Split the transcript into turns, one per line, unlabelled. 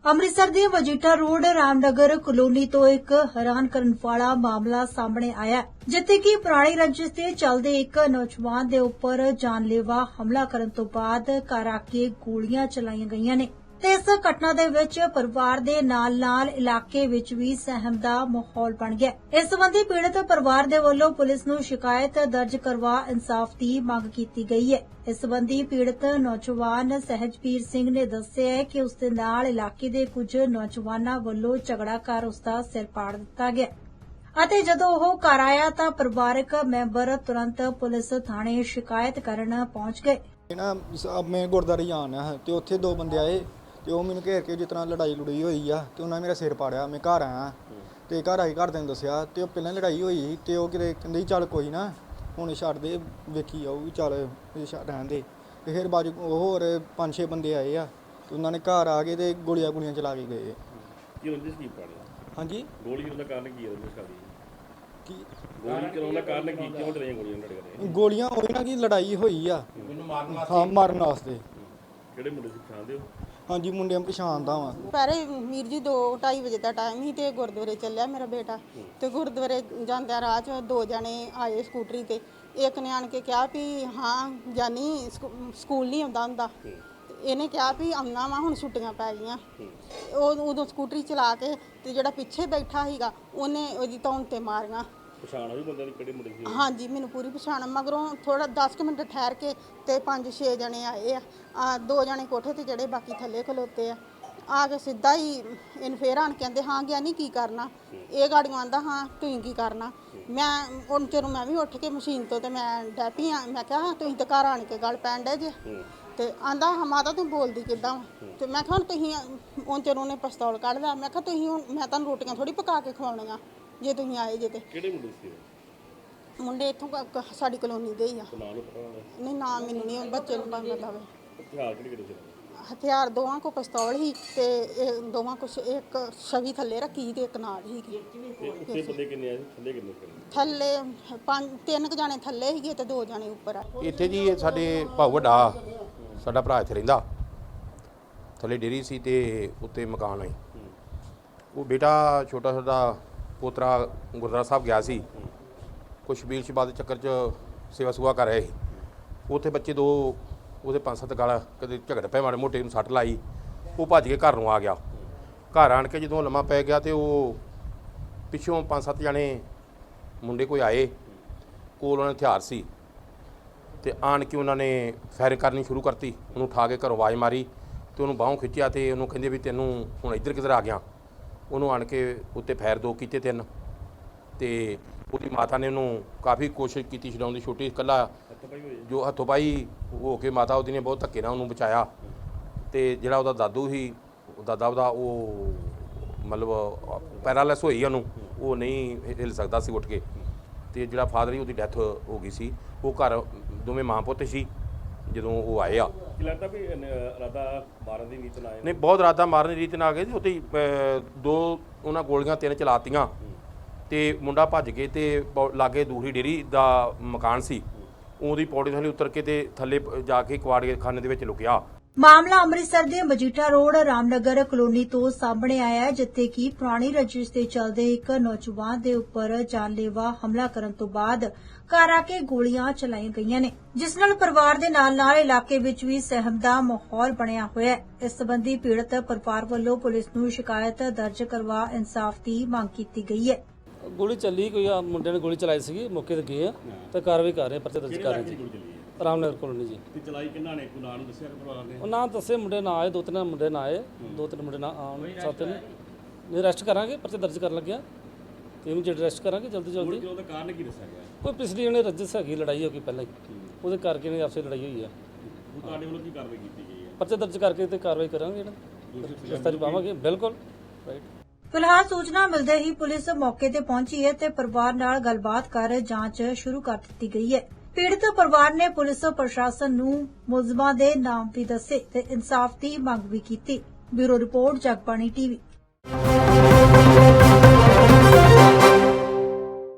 ਅੰਮ੍ਰਿਤਸਰ ਦੇ Majitha road Ramnagar colony ਤੋਂ ਇੱਕ ਹੈਰਾਨ ਕਰਨ ਵਾਲਾ ਮਾਮਲਾ ਸਾਹਮਣੇ ਆਇਆ ਹੈ, ਜਿੱਥੇ ਕਿ ਪੁਰਾਣੀ ਰੰਜਿਸ਼ ਤੇ ਚੱਲਦੇ ਇੱਕ ਨੌਜਵਾਨ ਦੇ ਉੱਪਰ ਜਾਨਲੇਵਾ ਹਮਲਾ ਕਰਨ ਤੋਂ ਬਾਅਦ ਘਰ ਆ ਕੇ ਗੋਲੀਆਂ ਚਲਾਈਆਂ ਗਈਆਂ ਨੇ ਤੇ ਇਸ ਘਟਨਾ ਦੇ ਵਿੱਚ ਪਰਿਵਾਰ ਦੇ ਨਾਲ-ਨਾਲ ਇਲਾਕੇ ਵਿੱਚ ਵੀ ਸਹਿਮ ਦਾ ਮਾਹੌਲ ਬਣ ਗਿਆ। ਇਸ ਸੰਬੰਧੀ ਪੀੜਤ ਪਰਿਵਾਰ ਦੇ ਵੱਲੋਂ ਪੁਲਿਸ ਨੂੰ ਸ਼ਿਕਾਇਤ ਦਰਜ ਕਰਵਾ ਇਨਸਾਫ ਦੀ ਮੰਗ ਕੀਤੀ ਗਈ ਹੈ। ਇਸ ਸੰਬੰਧੀ ਪੀੜਤ ਨੌਜਵਾਨ ਸਹਿਜਵੀਰ ਸਿੰਘ ਨੇ ਦੱਸਿਆ ਹੈ ਕਿ ਉਸ ਦੇ ਨਾਲ ਇਲਾਕੇ ਦੇ ਕੁਝ ਨੌਜਵਾਨਾਂ ਵੱਲੋਂ ਝਗੜਾ ਕਰ ਉਸ ਦਾ ਸਿਰ ਪਾੜ ਦਿੱਤਾ ਗਿਆ ਅਤੇ ਜਦੋਂ ਉਹ ਘਰ ਆਇਆ ਤਾਂ ਪਰਿਵਾਰਕ ਮੈਂਬਰ ਤੁਰੰਤ ਪੁਲਿਸ ਥਾਣੇ ਸ਼ਿਕਾਇਤ ਕਰਨ ਪਹੁੰਚ ਗਏ।
मैं गुरुद्वारे जाना है तो उत्थे दो बंदे आए तो मैंने घेर के जिस तरह लड़ाई लुड़ाई हुई आ तो उन्होंने मेरा सिर पाड़िया। मैं घर आया तो घर आई घरदे दसिया तो पहले लड़ाई हुई तो कि कहते चल कोई ना हुण छड्ड दे वेखी जाऊगी चल रहन दे। तो फिर बाद होर 5-6 बंदे आए आ तो उन्होंने घर आ गए तो गोलियां चला के गए। हाँ जी गोलियां होई ना कि लड़ाई हुई आ हाँ मारन वास्ते। हाँ जी मुंडे पछाणदा वा।
ਪਹਿਰੇ ਵੀਰ ਜੀ 2-2:30 ਵਜੇ ਦਾ ਟਾਈਮ ਸੀ ਤੇ ਗੁਰਦੁਆਰੇ ਚੱਲਿਆ ਮੇਰਾ ਬੇਟਾ ਤੇ ਗੁਰਦੁਆਰੇ ਜਾਂਦਿਆਂ ਰਾਹ 'ਚ ਦੋ ਜਣੇ ਆਏ ਸਕੂਟਰੀ ਤੇ। ਇੱਕ ਨੇ ਆਣ ਕੇ ਕਿਹਾ ਵੀ ਹਾਂ ਜਾਨੀ ਸਕੂਲ ਨਹੀਂ ਆਉਂਦਾ ਹੁੰਦਾ। ਇਹਨੇ ਕਿਹਾ ਵੀ ਆਉਣਾ ਵਾ ਹੁਣ ਛੁੱਟੀਆਂ ਪੈ ਗਈਆਂ। ਉਹ ਉਦੋਂ ਸਕੂਟਰੀ ਚਲਾ ਕੇ ਤੇ ਜਿਹੜਾ ਪਿੱਛੇ ਬੈਠਾ ਸੀਗਾ ਉਹਨੇ ਉਹਦੀ ਧੌਣ ਤੇ ਮਾਰੀਆਂ।
ਪਛਾਣ ਵੀ ਬੰਦੇ ਦੀ ਕਿਹੜੇ ਮੁੰਡੇ ਸੀ?
ਹਾਂਜੀ ਮੈਨੂੰ ਪੂਰੀ ਪਛਾਣ। ਮਗਰੋਂ ਥੋੜਾ 10 ਮਿੰਟ ਠਹਿਰ ਕੇ ਤੇ 5-6 ਜਣੇ ਆਏ ਆ। 2 ਜਣੇ ਕੋਠੇ ਤੇ ਜਿਹੜੇ ਬਾਕੀ ਥੱਲੇ ਖਲੋਤੇ ਆ ਕੇ ਸਿੱਧਾ ਹੀ ਇਹਨੂੰ ਫੇਰ ਆਣ ਕਹਿੰਦੇ ਹਾਂ ਗਿਆ ਨਹੀਂ ਕੀ ਕਰਨਾ। ਇਹ ਗਾੜੀਆਂ ਆਂਦਾ ਹਾਂ ਤੁਸੀਂ ਕੀ ਕਰਨਾ। ਮੈਂ ਹੁਣ ਚਿਰ ਮੈਂ ਵੀ ਉੱਠ ਕੇ ਮਸ਼ੀਨ ਤੋਂ ਤੇ ਮੈਂ ਡੈਪੀ ਆ। ਮੈਂ ਕਿਹਾ ਤੁਸੀਂ ਤਾਂ ਘਰ ਆਣ ਕੇ ਗੱਲ ਪੈਣ ਡੇ ਜੇ ਤੇ ਆਂਦਾ ਮਾਤਾ ਤੂੰ ਬੋਲਦੀ ਕਿੱਦਾਂ। ਤੇ ਮੈਂ ਕਿਹਾ ਹੁਣ ਤੁਸੀਂ ਹੁਣ ਚਿਰ ਉਹਨੇ ਪਿਸਤੌਲ ਕੱਢ ਲਿਆ। ਮੈਂ ਕਿਹਾ ਤੁਸੀਂ ਹੁਣ ਮੈਂ ਤੁਹਾਨੂੰ ਰੋਟੀਆਂ ਥੋੜੀ ਪਕਾ ਕੇ ਖਵਾਉਣੀਆਂ ਜੇ ਤੁਸੀਂ ਆਏ ਜੇ। ਤੇ
ਕਿਹੜੇ ਮੁੰਡੇ ਸੀ?
ਮੁੰਡੇ ਇੱਥੋਂ ਸਾਡੀ ਕਲੋਨੀ ਦੇ ਹੀ ਆ। ਨਹੀਂ ਨਾਮ ਮੈਨੂੰ ਨਹੀਂ ਬੱਚੇ ਨੂੰ ਪਤਾ ਹੋਵੇ।
ਹਥਿਆਰ ਕਿਹੜੇ ਸੀ?
ਹਥਿਆਰ ਦੋਵਾਂ ਕੋ ਪਿਸਤੌਲ ਹੀ ਤੇ ਇਹ ਦੋਵਾਂ ਕੁਛ ਇੱਕ ਛਵੀ ਥੱਲੇ ਰੱਖੀ ਤੇ ਇੱਕ ਨਾਲ ਹੀ।
ਉੱਤੇ ਬੰਦੇ ਕਿੰਨੇ ਆਏ? ਥੱਲੇ ਕਿੰਨੇ?
ਥੱਲੇ 3 ਜਾਣੇ ਥੱਲੇ ਸੀਗੇ ਤੇ 2 ਜਾਣੇ ਉੱਪਰ ਆ।
ਇੱਥੇ ਜੀ ਸਾਡੇ ਭਾਊ ਵੱਡਾ ਸਾਡਾ ਭਰਾ ਇੱਥੇ ਰਹਿੰਦਾ। ਥੱਲੇ ਡੇਰੀ ਸੀ ਤੇ ਉੱਤੇ ਮਕਾਨ ਹੈ। ਉਹ ਬੇਟਾ ਛੋਟਾ ਸਾਡਾ ਪੋਤਰਾ ਗੁਰਦੁਆਰਾ ਸਾਹਿਬ ਗਿਆ ਸੀ ਕੁਛ ਸ਼ਬੀਲ ਸ਼ਬਾਦ ਦੇ ਚੱਕਰ 'ਚ ਸੇਵਾ ਸੁਵਾ ਕਰ ਰਹੇ ਸੀ। ਉੱਥੇ ਬੱਚੇ 2 ਉਹਦੇ 5-7 ਗਾਲ ਕਦੇ ਝਗੜ ਪਏ ਮਾੜੇ ਮੋਟੇ ਨੂੰ ਸੱਟ ਲਾਈ। ਉਹ ਭੱਜ ਕੇ ਘਰ ਨੂੰ ਆ ਗਿਆ। ਘਰ ਆਣ ਕੇ ਜਦੋਂ ਲੰਮਾ ਪੈ ਗਿਆ ਤੇ ਉਹ ਪਿੱਛੋਂ 5-7 ਜਣੇ ਮੁੰਡੇ ਕੋਈ ਆਏ ਕੋਲ ਉਹਨਾਂ ਹਥਿਆਰ ਸੀ ਤੇ ਆਣ ਕੇ ਉਹਨਾਂ ਨੇ ਫਾਇਰਿੰਗ ਕਰਨੀ ਸ਼ੁਰੂ ਕਰਤੀ। ਉਹਨੂੰ ਉਠਾ ਕੇ ਘਰੋਂ ਆਵਾਜ਼ ਮਾਰੀ ਤੇ ਉਹਨੂੰ ਬਾਹੋਂ ਖਿੱਚਿਆ ਤੇ ਉਹਨੂੰ ਕਹਿੰਦੇ ਵੀ ਤੈਨੂੰ ਹੁਣ ਇੱਧਰ ਕਿੱਧਰ ਆ ਗਿਆ। ਉਹਨੂੰ ਆਣ ਕੇ ਉੱਤੇ ਫਾਇਰ 2 ਕੀਤੇ 3 ਤੇ ਉਹਦੀ ਮਾਤਾ ਨੇ ਉਹਨੂੰ ਕਾਫੀ ਕੋਸ਼ਿਸ਼ ਕੀਤੀ ਛਡਾਉਣ ਦੀ। ਛੋਟੀ ਇਕੱਲਾ ਜੋ ਹੱਥੋਂ ਪਾਈ ਹੋ ਕੇ ਮਾਤਾ ਉਹਦੀ ਨੇ ਬਹੁਤ ਧੱਕੇ ਨਾਲ ਉਹਨੂੰ ਬਚਾਇਆ। ਤੇ ਜਿਹੜਾ ਉਹਦਾ ਦਾਦੂ ਸੀ ਦਾਦਾ ਉਹਦਾ ਉਹ ਮਤਲਬ ਪੈਰਾਲਿਸ ਹੋਈ ਉਹਨੂੰ, ਉਹ ਨਹੀਂ ਹਿੱਲ ਸਕਦਾ ਸੀ ਉੱਠ ਕੇ। ਤੇ ਜਿਹੜਾ ਫਾਦਰ ਸੀ ਉਹਦੀ ਡੈਥ ਹੋ ਗਈ ਸੀ। ਉਹ ਘਰ ਦੋਵੇਂ ਮਾਂ ਪੁੱਤ ਸੀ ਜਦੋਂ ਉਹ ਆਏ ਆ।
ਲੱਗਦਾ ਵੀ ਇਰਾਦਾ ਮਾਰਨ ਦੀ ਨੀਤ ਨਾਲ ਆਏ?
ਨਹੀਂ ਬਹੁਤ ਇਰਾਦਾ ਮਾਰਨ ਦੀ ਰੀਤ ਨਾਲ ਆ ਗਏ। ਉੱਥੇ 2 ਉਹਨਾਂ ਗੋਲੀਆਂ 3 ਚਲਾਤੀਆਂ ਤੇ ਮੁੰਡਾ ਭੱਜ ਕੇ ਤੇ ਲਾਗੇ ਦੂਸਰੀ ਡੇਰੀ ਦਾ ਮਕਾਨ ਸੀ ਉਹਦੀ ਪੌੜੀ ਥੱਲੇ ਉਤਰ ਕੇ ਤੇ ਥੱਲੇ ਜਾ ਕੇ ਕੁਆੜਖਾਨੇ ਦੇ ਵਿੱਚ ਲੁਕਿਆ।
ਮਾਮਲਾ ਅੰਮ੍ਰਿਤਸਰ ਦੇ ਮਜੀਠਾ ਰੋਡ ਰਾਮਨਗਰ ਕਲੋਨੀ ਤੋਂ ਸਾਹਮਣੇ ਆਇਆ ਹੈ, ਜਿੱਥੇ ਕਿ ਪੁਰਾਣੀ ਰੰਜਿਸ਼ ਤੇ ਚੱਲਦੇ ਇੱਕ ਨੌਜਵਾਨ ਦੇ ਉੱਪਰ ਜਾਨਲੇਵਾ ਹਮਲਾ ਕਰਨ ਤੋਂ ਬਾਅਦ ਘਰ ਆ ਕੇ ਗੋਲੀਆਂ ਚਲਾਈਆਂ ਗਈਆਂ ਨੇ, ਜਿਸ ਨਾਲ ਪਰਿਵਾਰ ਦੇ ਨਾਲ-ਨਾਲ ਇਲਾਕੇ ਵਿੱਚ ਵੀ ਸਹਿਮ ਦਾ ਮਾਹੌਲ ਬਣਿਆ ਹੋਇਆ ਹੈ। ਇਸ ਸੰਬੰਧੀ ਪੀੜਤ ਪਰਿਵਾਰ ਵੱਲੋਂ ਪੁਲਿਸ ਨੂੰ ਸ਼ਿਕਾਇਤ ਦਰਜ ਕਰਵਾ ਇਨਸਾਫ ਦੀ ਮੰਗ ਕੀਤੀ ਗਈ ਹੈ।
ਗੋਲੀ ਚੱਲੀ ਕੋਈ ਮੁੰਡੇ ਨੇ ਗੋਲੀ ਚਲਾਈ ਸੀਗੀ, ਮੌਕੇ ਤੇ ਗਏ ਆ ਤੇ ਕਾਰਵਾਈ ਕਰ ਰਹੇ, ਪਰਚੇ ਦਰਜ ਕਰ ਰਹੇ ਜੀ। ਰਾਮਨਗਰ ਕਲੋਨੀ ਜੀ।
ਤੇ ਚਲਾਈ ਕਿੰਨਾ ਨੇ? ਕੋਈ ਨਾਂ ਨਹੀਂ ਦੱਸਿਆ ਪਰਿਵਾਰ ਨੇ?
ਉਹ ਨਾਂ ਦੱਸੇ ਮੁੰਡੇ ਨਾ ਆਏ, 2-3 ਮੁੰਡੇ ਨਾ ਆਏ, 2-3 ਮੁੰਡੇ ਨਾ ਆਉਣ ਸਾਥ ਨੇ। ਨਹੀਂ ਅਰੈਸਟ ਕਰਾਂਗੇ, ਪਰਚੇ ਦਰਜ ਕਰਨ ਲੱਗਿਆ ਤੇ ਇਹਨੂੰ ਜਿਹੜਾ ਅਰੈਸਟ ਕਰਾਂਗੇ ਜਲਦੀ।
ਉਹਦਾ ਕਾਰਨ ਕੀ ਦੱਸਿਆ ਗਿਆ?
ਕੋਈ ਪਿਛਲੀ ਉਹਨੇ ਰੰਜਿਸ਼ ਹੈਗੀ, ਲੜਾਈ ਹੋ ਗਈ ਪਹਿਲਾਂ ਹੀ, ਉਹਦੇ ਕਰਕੇ ਨੇ ਆਪਸੇ ਲੜਾਈ ਹੋਈ ਆ।
ਤੁਹਾਡੇ ਵੱਲੋਂ ਕੀ ਕਾਰਵਾਈ ਕੀਤੀ ਗਈ ਹੈ?
ਪਰਚੇ ਦਰਜ ਕਰਕੇ ਤੇ ਕਾਰਵਾਈ ਕਰਾਂਗੇ, ਗ੍ਰਿਫਤਾਰੀ ਪਾਵਾਂਗੇ। ਬਿਲਕੁਲ ਰਾਈਟ।
ਫਿਲਹਾਲ ਸੂਚਨਾ ਮਿਲਦੇ ਹੀ ਪੁਲਿਸ ਮੌਕੇ ਤੇ ਪਹੁੰਚੀ ਹੈ ਤੇ ਪਰਿਵਾਰ ਨਾਲ ਗੱਲਬਾਤ ਕਰ ਜਾਂਚ ਸ਼ੁਰੂ ਕਰ ਦਿੱਤੀ ਗਈ ਹੈ। ਪੀੜਤ ਪਰਿਵਾਰ ਨੇ ਪੁਲਿਸ ਪ੍ਰਸ਼ਾਸਨ ਨੂੰ ਮੁਲਜ਼ਮਾਂ ਦੇ ਨਾਮ ਵੀ ਦੱਸੇ ਤੇ ਇਨਸਾਫ ਦੀ ਮੰਗ ਵੀ ਕੀਤੀ। Bureau report Jagbani TV.